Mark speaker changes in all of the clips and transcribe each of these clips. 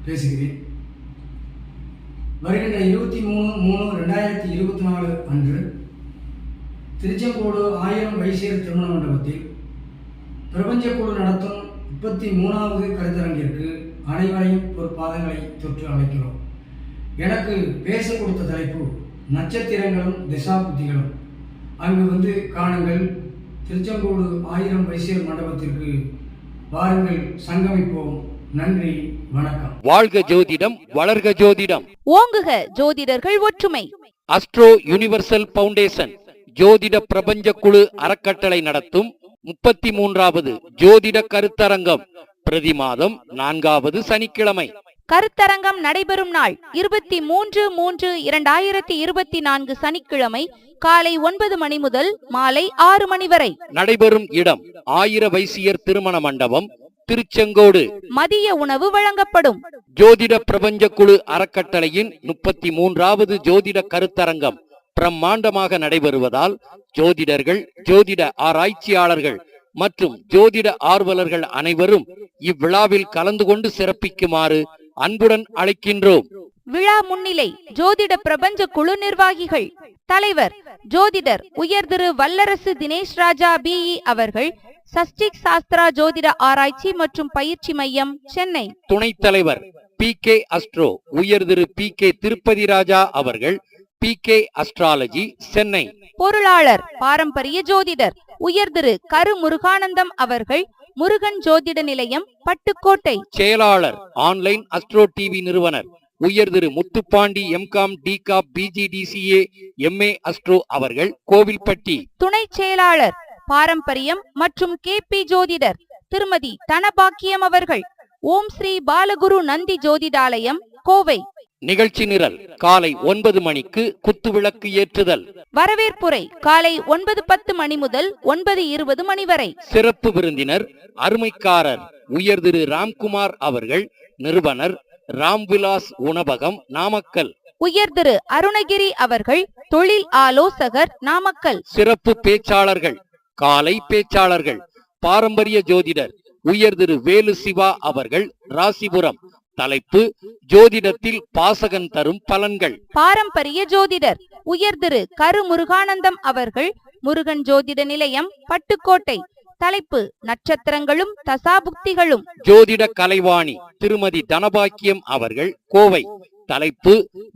Speaker 1: பேசுகிறேன். வருகின்ற 23/3/2024 அன்று திருச்செங்கோடு 1000 வைசியர் திருமண மண்டபத்தில் பிரபஞ்சக்குழு நடத்தும் 33வது கருத்தரங்கிற்கு அனைவரையும் ஒரு பாதங்களை தொற்று அழைக்கிறோம். எனக்கு பேச கொடுத்த தலைப்பு நட்சத்திரங்களும் திசாபுத்திகளும். அங்கு காணுங்கள். திருச்செங்கோடு 1000 வைசியர் மண்டபத்திற்கு வாருங்கள், சங்கமிப்போம். நன்றி, வணக்கம்.
Speaker 2: வாழ்க ஜோதிடம், வளர்க ஜோதிடம்,
Speaker 3: ஓங்குக ஜோதிடர்கள் ஒற்றுமை.
Speaker 2: அஸ்ட்ரோ யுனிவர்சல் பவுண்டேஷன் ஜோதிட பிரபஞ்ச குழு அறக்கட்டளை நடத்தும் 33வது ஜோதிட கருத்தரங்கம் பிரதி மாதம் 4வது சனிக்கிழமை.
Speaker 3: கருத்தரங்கம் நடைபெறும் நாள் 23/3/2024 சனிக்கிழமை காலை 9 மணி முதல் மாலை 6 மணி வரை.
Speaker 2: நடைபெறும் இடம் 1000 வைசியர் திருமண மண்டபம், திருச்செங்கோடு.
Speaker 3: மதிய உணவு வழங்கப்படும்.
Speaker 2: ஜோதிட பிரபஞ்ச குழு அறக்கட்டளையின் 33வது ஜோதிட கருத்தரங்கம் பிரம்மாண்டமாக நடைபெறுவதால் ஜோதிடர்கள், ஜோதிட ஆராய்ச்சியாளர்கள் மற்றும் ஜோதிட ஆர்வலர்கள் அனைவரும் இவ்விழாவில் கலந்து கொண்டு சிறப்பிக்குமாறு அன்புடன் அழைக்கின்றோம்.
Speaker 3: விழா முன்னிலை ஜோதிட பிரபஞ்ச குழு நிர்வாகிகள். தலைவர் ஜோதிடர் உயர் திரு வல்லரசு தினேஷ் ராஜா பிஇ அவர்கள், சஷ்டிக் சாஸ்திரா ஜோதிட ஆராய்ச்சி மற்றும் பயிற்சி மையம், சென்னை.
Speaker 2: துணைத் தலைவர் PK அஸ்ட்ரோ உயர் திரு PK திருப்பதி ராஜா அவர்கள், PK அஸ்ட்ராலஜி, சென்னை.
Speaker 3: பொருளாளர் பாரம்பரிய ஜோதிடர் உயர் திரு கரு முருகானந்தம் அவர்கள், முருகன் ஜோதிட நிலையம், பட்டுக்கோட்டை.
Speaker 2: செயலாளர் ஆன்லைன் அஸ்ட்ரோ டிவி நிறுவனர் உயர் Thiru Muthupandi MCom DCOM BGDCA MA astro அவர்கள், கோவில்பட்டி.
Speaker 3: துணை செயலாளர் பாரம்பரியம் மற்றும் KP ஜோதிடர் திருமதி தனபாக்கியம் அவர்கள், ஓம் ஸ்ரீ பாலகுரு நந்தி ஜோதிடாலயம், கோவை.
Speaker 2: நிகழ்ச்சி நிரல் காலை 9 மணிக்கு குத்துவிளக்கு ஏற்றுதல்.
Speaker 3: வரவேற்புரை காலை 9:10 மணி முதல் 9:20 மணி வரை.
Speaker 2: சிறப்பு விருந்தினர் அருமைக்காரர் உயர் திரு ராம்குமார் அவர்கள், நிறுவனர் ராம்விலாஸ் உணவகம், நாமக்கல்.
Speaker 3: உயர் திரு அருணகிரி அவர்கள், தொழில் ஆலோசகர், நாமக்கல்.
Speaker 2: சிறப்பு பேச்சாளர்கள் காலை பேச்சாளர்கள் பாரம்பரிய ஜோதிடர் உயர் திரு வேலு சிவா அவர்கள், ராசிபுரம். தலைப்பு ஜோதிடத்தில் பாசகன் தரும் பலன்கள்.
Speaker 3: பாரம்பரிய ஜோதிடர் உயர் திரு கரு முருகானந்தம் அவர்கள், முருகன் ஜோதிட நிலையம், பட்டுக்கோட்டை. தலைப்பு நட்சத்திரங்களும் தசாபுக்திகளும்.
Speaker 2: ஜோதிட கலைவாணி திருமதி தனபாக்கியம் அவர்கள், கோவை. தலைப்பு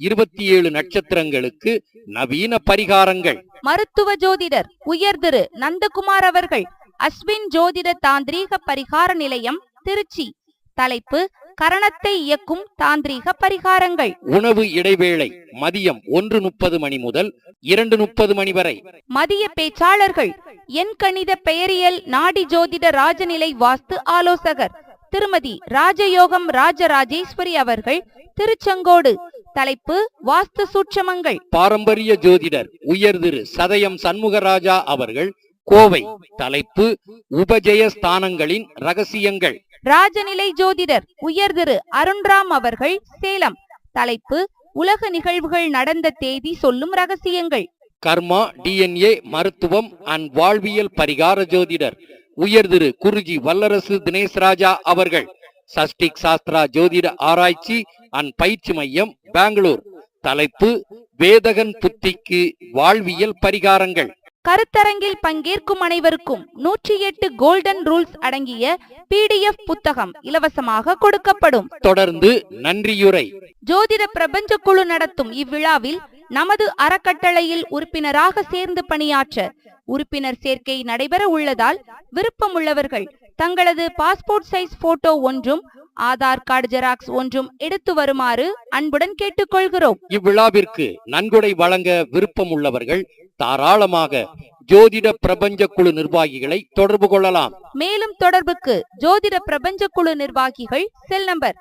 Speaker 2: 27 நட்சத்திரங்களுக்கு நவீன பரிகாரங்கள்.
Speaker 3: மருத்துவ ஜோதிடர் உயர் திரு நந்தகுமார் அவர்கள், அஸ்வின் ஜோதிட தாந்திரீக பரிகார நிலையம், திருச்சி. தலைப்பு கரணத்தை இயக்கும் தாந்திரீக பரிகாரங்கள்.
Speaker 2: உணவு இடைவேளை மதியம் 1:30 மணி முதல் 2:30 மணி வரை.
Speaker 3: மதிய பேச்சாளர்கள் எண் கணித பெயரியல் நாடி ஜோதிட ராஜநிலை வாஸ்து ஆலோசகர் திருமதி ராஜயோகம் ராஜராஜேஸ்வரி அவர்கள், திருச்செங்கோடு. தலைப்பு வாஸ்து சூட்சமங்கள்.
Speaker 2: பாரம்பரிய ஜோதிடர் உயர் திரு சதயம் சண்முகராஜா அவர்கள், கோவை. தலைப்பு உபஜய ஸ்தானங்களின் ரகசியங்கள்.
Speaker 3: ராஜநிலை ஜோதிடர் உயர் திரு அருண்ராம் அவர்கள், சேலம். தலைப்பு உலக நிகழ்வுகள் நடந்த தேதி சொல்லும் ரகசியங்கள்.
Speaker 2: கர்மா DNA மருத்துவம் அண்ட் வாழ்வியல் பரிகார ஜோதிடர் உயர் திரு குருஜி வல்லரசு தினேஷ் ராஜா அவர்கள், சஷ்டிக் சாஸ்திரா ஜோதிட ஆராய்ச்சி அண்ட் பயிற்சி மையம், பெங்களூர். தலைப்பு வேதகன் புத்திக்கு வாழ்வியல் பரிகாரங்கள்.
Speaker 3: கருத்தரங்கில் பங்கேற்கும் அனைவருக்கும் 108 கோல்டன் ரூல்ஸ் அடங்கிய PDF புத்தகம் இலவசமாக கொடுக்கப்படும்.
Speaker 2: தொடர்ந்து நன்றியுரை.
Speaker 3: ஜோதிட பிரபஞ்ச குழு நடத்தும் இவ்விழாவில் நமது அறக்கட்டளையில் உறுப்பினராக சேர்ந்து பணியாற்ற உறுப்பினர் சேர்க்கை நடைபெற உள்ளதால் விருப்பமுள்ளவர்கள் தங்களது பாஸ்போர்ட் சைஸ் போட்டோ ஒன்றும் ஆதார் கார்டு ஜெராக்ஸ் ஒன்றும் எடுத்து வருமாறு அன்புடன் கேட்டுக்கொள்கிறோம்.
Speaker 2: இவ்விழாவிற்கு நன்கொடை வழங்க விருப்பம் உள்ளவர்கள் தாராளமாக ஜோதிட பிரபஞ்ச குழு நிர்வாகிகளை தொடர்பு கொள்ளலாம்.
Speaker 3: மேலும் தொடர்புக்கு ஜோதிட பிரபஞ்ச குழு நிர்வாகிகள் செல் நம்பர்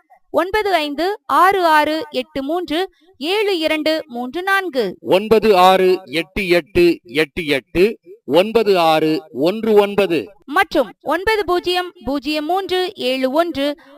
Speaker 3: 9566837234
Speaker 2: 9688889619
Speaker 3: மற்றும் 900371